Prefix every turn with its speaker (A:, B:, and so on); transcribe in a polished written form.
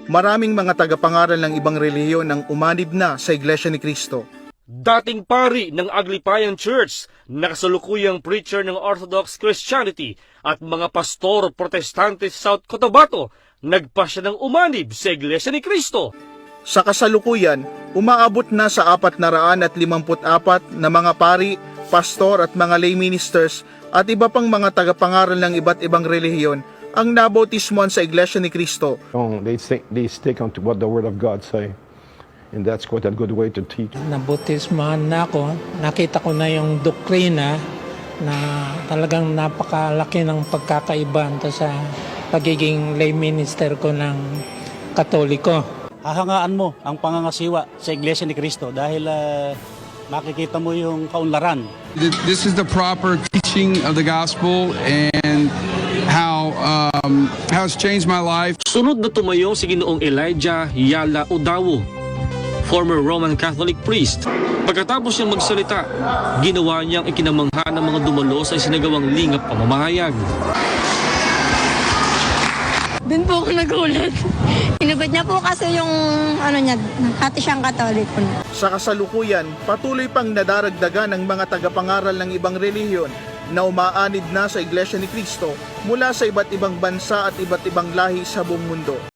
A: maraming mga tagapangaral ng ibang relihiyon ang umanib na sa Iglesia ni Cristo.
B: Dating pari ng Aglipayan Church, nakasalukuyang preacher ng Orthodox Christianity at mga pastor protestante sa South Cotabato, nagpasya ng umanib sa Iglesia ni Cristo.
A: Sa kasalukuyan, umaabot na sa 454 na mga pari, pastor at mga lay ministers at iba pang mga tagapangaral ng iba't ibang relihiyon ang nabautismuhan sa Iglesia ni Cristo.
C: They stick on to what the Word of God say. And that's quite a good way to teach.
D: Nabutismahan na ako. Nakita ko na yung doktrina na talagang napakalaki ng pagkakaiba sa pagiging lay minister ko ng Katoliko.
E: Hahangaan mo ang pangangasiwa sa Iglesia ni Cristo dahil makikita mo yung kaunlaran.
F: This is the proper teaching of the gospel and how it's changed my life.
B: Sunod na tumayo si Ginoong Elijah Yala Udawo, former Roman Catholic priest. Pagkatapos niyang magsalita, ginawa niyang ikinamangha ng mga dumalo sa isinagawang lingap pamamahayag.
G: Doon po ako nagulat. Inugot niya po kasi yung hati siyang Katoliko na.
A: Sa kasalukuyan, patuloy pang nadaragdagan ng mga tagapangaral ng ibang relihiyon na umaanid na sa Iglesia ni Cristo mula sa iba't ibang bansa at iba't ibang lahi sa buong mundo.